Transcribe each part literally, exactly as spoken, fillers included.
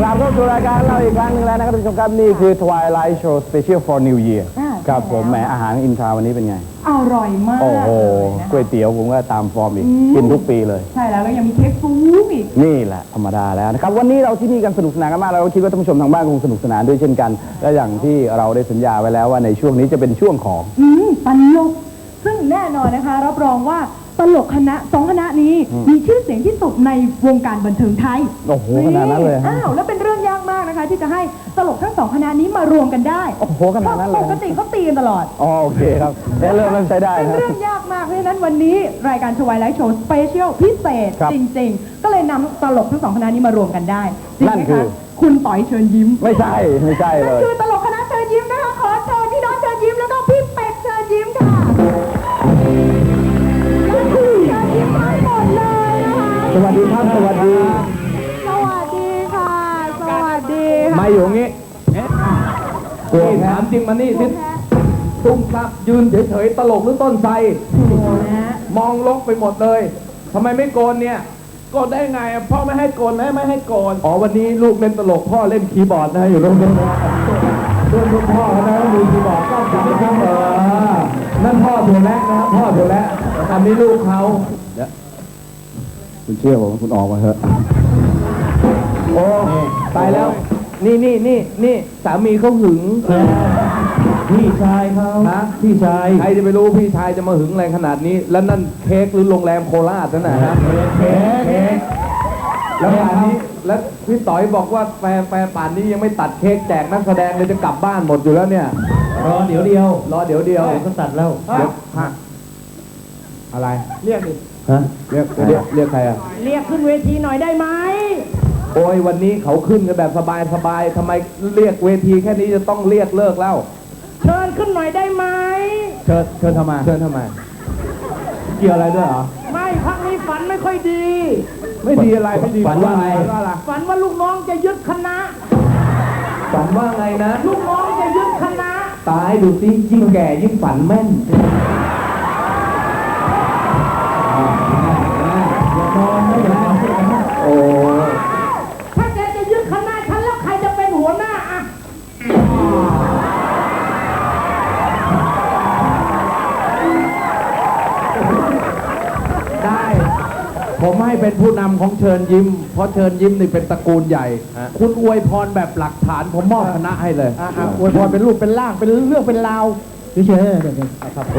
ลับเข้าสู่รายการเราอีกครั้งนึงแล้วนะครับท่านผู้ชมครับนี่คือ Twilight Show Special for New Year ครับผมแหมอาหารอินทราวันนี้เป็นไงอร่อยมากโอ้โหก๋วยเตี๋ยวผมก็ตามฟอร์มอีกกินทุกปีเลยใช่แล้วแล้วยังมีเค้กฟูอีกนี่แหละธรรมดาแล้วนะครับวันนี้เราที่นี่กันสนุกสนานกันมากแล้วก็คิดว่าท่านผู้ชมทางบ้านคงสนุกสนานด้วยเช่นกันและอย่างที่เราได้สัญญาไว้แล้วว่าในช่วงนี้จะเป็นช่วงของอืมตลกซึ่งแน่นอนนะคะรับรองว่าตลกคณะสองคณะนี้มีชื่อเสียงที่สุดในวงการบันเทิงไทยโอ้โหขนาดนั้นเลยอ้าวแล้วเป็นเรื่องยากมากนะคะที่จะให้ตลกทั้งสองคณะนี้มารวมกันได้โอ้โหขนาดนั้นเลยปกติเขาตีกันตลอดอ๋อโอเคครับเริ่มเริ่มใช้ได้เป็นเรื่องยากมากเพราะฉะนั้นวันนี้รายการทวายไลท์โชว์สเปเชียลพิเศษจริงๆก็เลยนำตลกทั้งสองคณะนี้มารวมกันได้นั่นคือคุณป๋อยเชิญยิ้มไม่ใช่ไม่ใช่เลยคือตลกคณะเชิญยิ้มนะคะขอเชิญพี่น้องเชิญยิ้มแล้วก็พี่เป็ดเชิญยิ้มค่ะสวัสดีครับสวัสดีสวัสดีค่ะสวัสดีมาอยู่งี้ตัวถามจริงมานี่สิตุ้มครับยืนเฉยๆตลกหรือต้นไทรมองลกไปหมดเลยทำไมไม่โกนเนี่ยโกนได้ไงพ่อไม่ให้โกนแม่ไม่ให้โกนอ๋อวันนี้ลูกเล่นตลกพ่อเล่นคีย์บอร์ดนะอยู่ตรงนู้นนะส่วนคุณพ่อนะมือคีย์บอร์ดก็จับนะครับเออนั่นพ่อถั่วแระนะครับพ่อถั่วแระอันนี้ลูกเขาคุณเชื่อผมคุณออกมาเถอะโอ้ตายแล้วนี่นี่นี่นี่สามีเขาหึงพี่ชายเขาฮะพี่ชายใครจะไปรู้พี่ชายจะมาหึงแรงขนาดนี้แล้วนั่นเค้กหรือโรงแรมโคราชนั่นนะฮะเค้กเค้กแล้วป่านนี้แล้วพี่ต่อยบอกว่าแฟนแฟนป่านนี้ยังไม่ตัดเค้กแจกนักแสดงเลยจะกลับบ้านหมดอยู่แล้วเนี่ยรอเดี๋ยวเดียวรอเดี๋ยวเดียวก็ตัดแล้วเดี๋ยวฮะอะไรเรียกดิฮะเรียกเรียกเรียกใครอ่ะเรียกขึ้นเวทีหน่อยได้ไหมโอ้ยวันนี้เขาขึ้นกันแบบสบายสบายทำไมเรียกเวทีแค่นี้จะต้องเรียกเลิกแล้วเชิญขึ้นหน่อยได้ไหมเชิญเชิญทำไมเชิญทำไมเกี่ยวอะไรด้วยเหรอไม่พักนี้ฝันไม่ค่อยดีไม่ดีอะไรไม่ดีฝันว่าไงฝันว่าลูกน้องจะยึดคณะฝันว่าไงนะลูกน้องจะยึดคณะตายดูสิยิ่งแก่ยิ่งฝันแม่นโอ้ถ้าแกจะยึดคณะฉันแล้วใครจะเป็นหัวหน้าอะได้ผมให้เป็นผู้นำของเชิญยิ้มเพราะเชิญยิ้มนี่เป็นตระกูลใหญ่คุณอวยพรแบบหลักฐานผมมอบคณะให้เลยอวยพรเป็นรูปเป็นร่างเป็นเรื่องเป็นราวเฉยๆเดี๋ยวๆครับ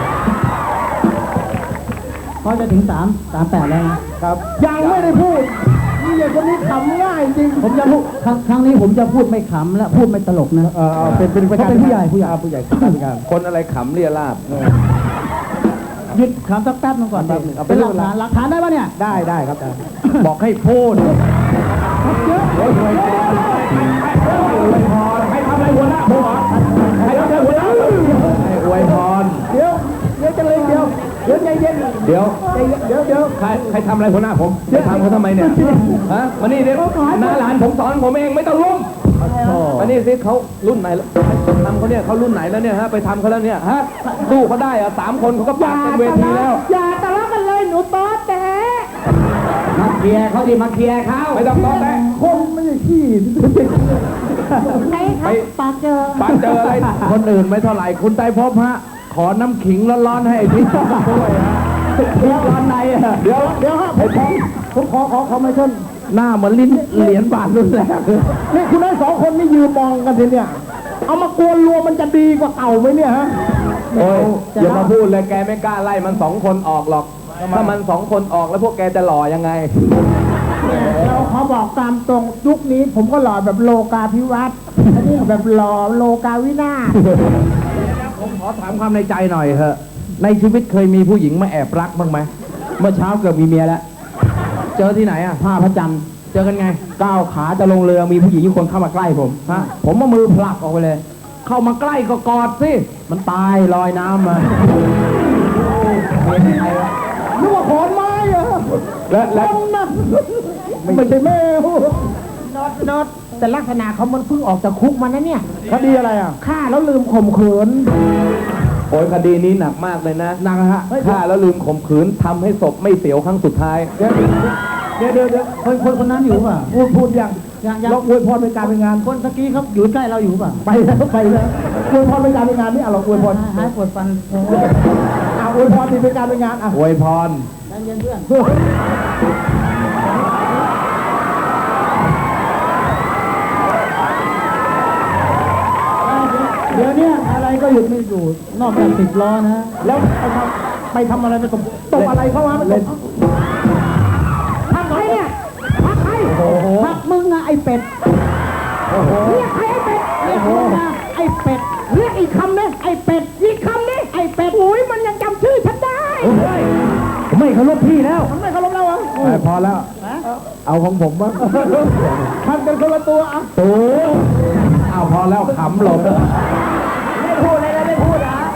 พอจะถึงสามสามแปดแล้วนะครับยังไม่ได้พูดนี่อย่างคนนี้ขำง่ายจริงผมจะพูดครั้งครั้งนี้ผมจะพูดไม่ขำและพูดไม่ตลกนะเออเป็นเป็นเป็นผู้ใหญ่ผู้ใหญ่ผู้ใหญ่คนอะไรขำเรียราบหยุดขำสักแป๊บนึงก่อนเป็นหลักฐานหลักฐานได้ปะเนี่ยได้ได้ครับบอกให้พูดเยอะอวยพรให้ทำอะไรหัวหน้าผมเหรอให้ทำอะไรหัวหน้าให้อวยพรเดี๋ยวเดี๋ยวจะเลยเดี๋ยวเดี๋ยวใจเย็นเดี๋ยวเดี๋ยวเดี๋ยวใครใครทำอะไรหัวหน้าผมจะทำเขาทำไมเนี่ยฮะมานี่เดี๋ยวน้าหลานผมสอนผมเองไม่ต้องลุ้มมานี่สิเขารุ่นไหนทำเขาเนี่ยเขารุ่นไหนแล้วเนี่ยฮะไปทำเขาแล้วเนี่ยฮะสู้เขาได้อะสามคนเขาก็ปาดกันเวทีแล้วอย่าทะเลาะกันเลยหนูต๊อดแต่มาเคลียร์เขาดิมาเคลียร์เขาไม่ต้องต๊อดแต่คนไม่ใช่ขี้ใช่ครับปากเจอปากเจออะไรคนอื่นไม่เท่าไหร่คุณไตรภพฮะขอน้ำขิงร้อนๆให้พี่ด้วยฮะพี่ร้อนในอ่ะเดี๋ยวเดี๋ยวฮะผมผมขอขอขอไม่ขึ้นหน้าเหมือนลิ้นเหรียญบาทรุ่นแรกนี่คุณได้สองคนนี่ยืนมองกันทีเนี่ยเอามากวนรวมมันจะดีกว่าเต่าไหมเนี่ยฮะโอ้ยอย่ามาพูดเลยแกไม่กล้าไล่มันสองคนออกหรอกถ้ามันสองคนออกแล้วพวกแกจะหล่อยังไงเราเขาบอกตามตรงยุคนี้ผมก็หล่อแบบโลกาภิวัตน์อันนี้แบบหล่อโลกาวินาศผมขอถามความในใจหน่อยเถอะในชีวิตเคยมีผู้หญิงมาแอบรักบ้างไหมเมื่อเช้าเกือบมีเมียแล้วเจอที่ไหนอ่ะท่าพระจันทร์เจอกันไงก้าวขาจะลงเรือมีผู้หญิงคนเข้ามาใกล้ผมฮะผมมามือผลักออกไปเลยเข้ามาใกล้ก็กอดสิมันตายลอยน้ำมานึกว่าขอนไม้อะและและไม่ใช่แมวนอดนอดแต่ลักษณะเขามันเพิ่งออกจากคุกมานะเนี่ยคดีอะไรอ่ะฆ่าแล้วลืมข่มขืนโอ้ยคดีนี้หนักมากเลยนะหนักฮะฆ่าแล้วลืมข่มขืนทำให้ศพไม่เสียวครั้งสุดท้ายเดี๋ยวเดี๋ยวเดี๋ยวคนคนคนนั้นอยู่ป่ะพูดพูดยังเราอวยพรเป็นการเป็นงานคนตะกี้เขาอยู่ใกล้เราอยู่ป่ะไปแล้วไปแล้วอวยพรเป็นการเป็นงานนี่อ่ะเราอวยพรหายปวดฟันอ่ะอวยพรเป็นการเป็นงานอ่ะอวยพรใจเย็นเพื่อนเดี๋ยวนี้อะไรก็หยุดไม่อยู่นอกจากติดล้อนะแล้วไปทำไปทำอะไรไปตบตบอะไรเข้ามาไปตบพักใครเนี่ยพักใครพักมึงอะไอเป็ดเรียกใครไอเป็ดเรียกมึงอะไอเป็ดเรียกอีกคำเนี่ยไอเป็ดอีกคำเนี่ยไอเป็ดโอ้ยมันยังจำชื่อฉันได้ไม่เคารพพี่แล้วไม่เคารพแล้วเหรอพอแล้วเอาของผมบ้างทำกันคนละตัวอ่ะโอ้เอาพอแล้วขำหลบไม่พูดอะไรไม่พูดอ่ะ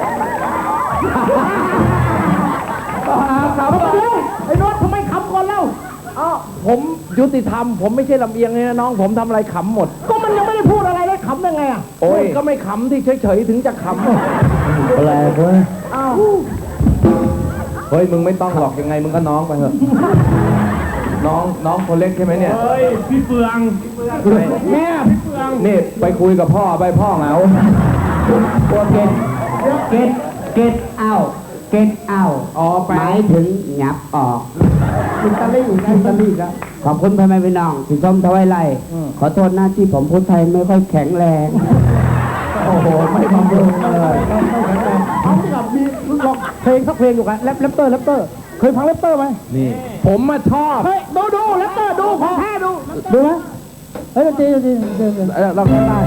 ขำไปเลยไอ้โน้ตทำไมขำก่อนเล่าอ้าวผมยุติธรรมผมไม่ใช่ลำเอียงเลยนะน้องผมทำอะไรขำหมดก็มันยังไม่ได้พูดอะไรได้ขำได้ไงอ่ะโอ้ยก็ไม่ขำที่เฉยๆถึงจะขำแปลกเว้ยอ้าวเฮ้ยมึงไม่ต้องหรอกยังไงมึงก็น้องไปเถอะน้องน้องคนเล็กใช่ไหมเนี่ยเฮ้ยพี่เฟืองเนี่ยพี่เฟืองนี่ไปคุยกับพ่อไปพ่อเหงาตัวเกตเกตเกตเอาเกตเอาอ๋อแปลหมายถึงหยับออกอิตาลีนะอิตาลีนะขอบคุณพ่อแม่พี่น้องที่ชมทวายไล่ขอโทษหน้าที่ผมพูดไทยไม่ค่อยแข็งแรงโอ้โหไม่บำรุงเลยเขาที่แบบมีลองเพลงสักเพลงอยู่กันแรปแรปเตอร์แรปเตอร์เคยฟังแรปเตอร์ไหมนี่ผมมาชอบเฮ้ยดูดูแรปเตอร์ดูของแท้ดูดูไหมเฮ้ยดนตรีดนตรีดนตรีเออเราไม่ได้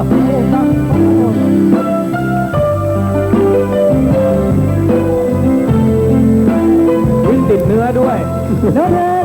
วิ่งติดเนื้อด้วยเนื้อเพลง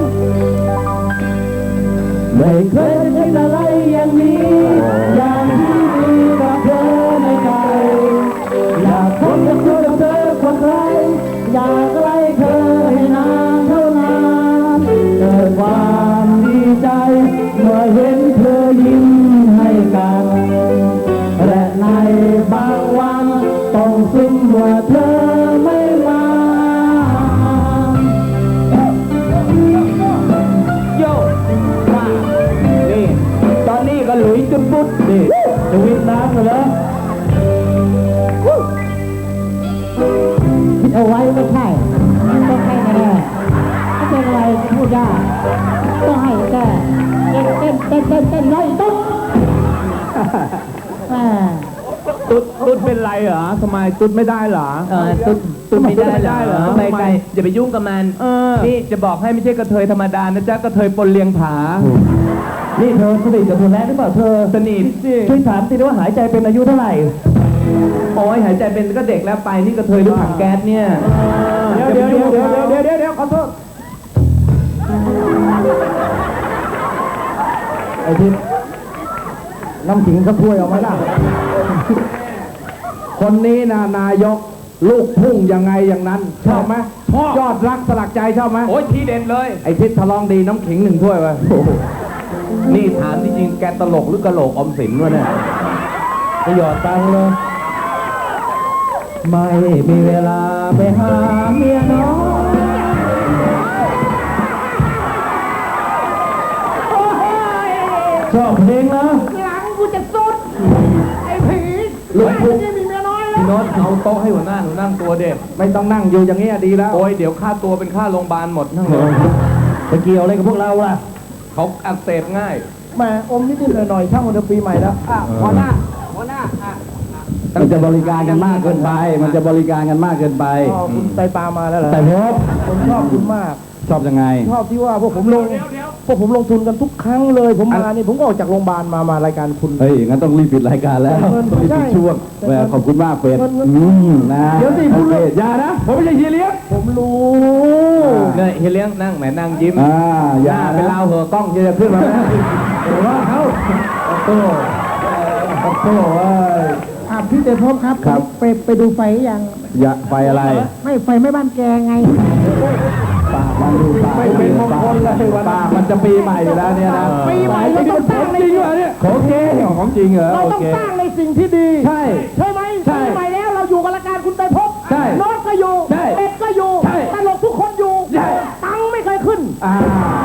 ไม่เคยจะคิดอะไรอย่างนี้อย่างที่มีกับเธอในใจอยากพบกับเธอกับเธอคนใครอยากใกล้เธอให้นานเท่านานเกิดความดีใจเมื่อเห็นเธอยิ้มให้กันและในบางวันต้องซึ้งเมื่อเธอไม่มาโย่มานี่ตอนนี้ก็หลุยจุดปุ๊ดนี่จะวิ่งน้ำกันแล้วคิดเอาไว้ไม่ใช่ต้องให้แน่ๆถ้าเป็นอะไรพูดยากต้องให้แน่เต้นเต้นเต้นเต้นเต้นเลยตุ๊ดแม่ตุ๊ดตุ๊ดเป็นไรเหรอทำไมตุ๊ดไม่ได้เหรอเออตุ๊ดตุ๊ดไม่ได้เหรอทำไมไกลอย่าไปยุ่งกับมันเออนี่จะบอกให้ไม่ใช่กระเทยธรรมดานะจ๊ะกระเทยปนเลียงผานี่เธอสนิทกับคนแรกหรือเปล่าเธอสนิทสิช่วยถามสิว่าหายใจเป็นอายุเท่าไหร่โอ้ยหายใจเป็นก็เด็กแล้วไปนี่กระเทยหรือถังแก๊สเนี่ยเดี๋ยวเดี๋ยวเดี๋ยวเดี๋ยวเดี๋ยวเดี๋ยวเดี๋ยวขอโทษไอ้ทิศน้ำขิงสักถ้วยเอาไหมล่ะคนนี้นะนายกลูกพุ่งยังไงอย่างนั้น ชอบไหมชอบยอดรักสลักใจชอบไหมโอ้ยทีเด่นเลยไอ้ทิศทะลองดีน้ำขิงหนึ่งถ้วยไปนี่ถามจริงๆแกตลกหรือกะโหลกอมสินวะเนี่ยไปหยอดตังค์เลย ไม่มีเวลาไปหาเมียน้อยชอบเพลงนะหลังกูจะสุด ไอ้ผีลูกพุ่งไม่มีเมียน้อยแล้วพี่โน้ตเอาโต๊ะให้หัวหน้าหนูนั่งตัวเด็กไม่ต้องนั่งอยู่อย่างนี้ยดีแล้วโอ้ยเดี๋ยวค่าตัวเป็นค่าโรงพยาบาลหมดนั่งเลยไปเกี่ยวอะไรกับพวกเราล่ะเขาอักเสบง่ายแหมอมนิดๆหน่อยๆช่างวันเดือนปีใหม่แล้วอ่ะหัวหน้าหัวหน้าอ่ะมันจะบริการกันมากเกินไป มันจะบริการกันมากเกินไปอ๋อคุณไตปลามาแล้วเหรอแต่พบผมชอบคุณมากชอบยังไงชอบที่ว่าพวกผมลงพวกผมลงทุนกันทุกครั้งเลย ผมมานี่ผมก็ออกจากโรงพยาบาลมามารายการคุณเฮ้ย งั้นต้องรีบปิดรายการแล้วเงินต้องรีบใช่ปิดช่วงแหมขอบคุณมากเฟรดเงินเงินอืมนะเดี๋ยวสิพูดโอเลเคยอย่านะ ผมไม่ใช่เฮียเลี้ยงผมรู้เนี่ยเฮียเลี้ยงนั่งแหมนั่งยิ้มอ่า ออย่าย่านะไปเล่าเหอะกล้องจะขึ้นมาไหมเดี๋ยวว่าเขาโต้โต้เอ้ยอ่ะพี่เตพบครับครับไปไปดูไฟยังอย่าไปอะไรไม่ไฟไม่บ้านแกไงปากมันดูปากไม่เป็นมงคลเลยวันนั้นปากมันจะปีใหม่อยู่แล้วเนี่ยนะปีใหม่เราต้องสร้างในจริงเหรอเนี่ยของจริงของจริงเหรอเราโอต้องเคสร้างในสิ่งที่ดีใช่ใช่ไหมใช่ปีใหม่แล้วเราอยู่กับรายการคุณไปพบใช่โน้ตก็อยู่ใช่เป็ดก็อยู่ใช่ตลกทุกคนอยู่ใช่ตังค์ไม่เคยขึ้นอ่า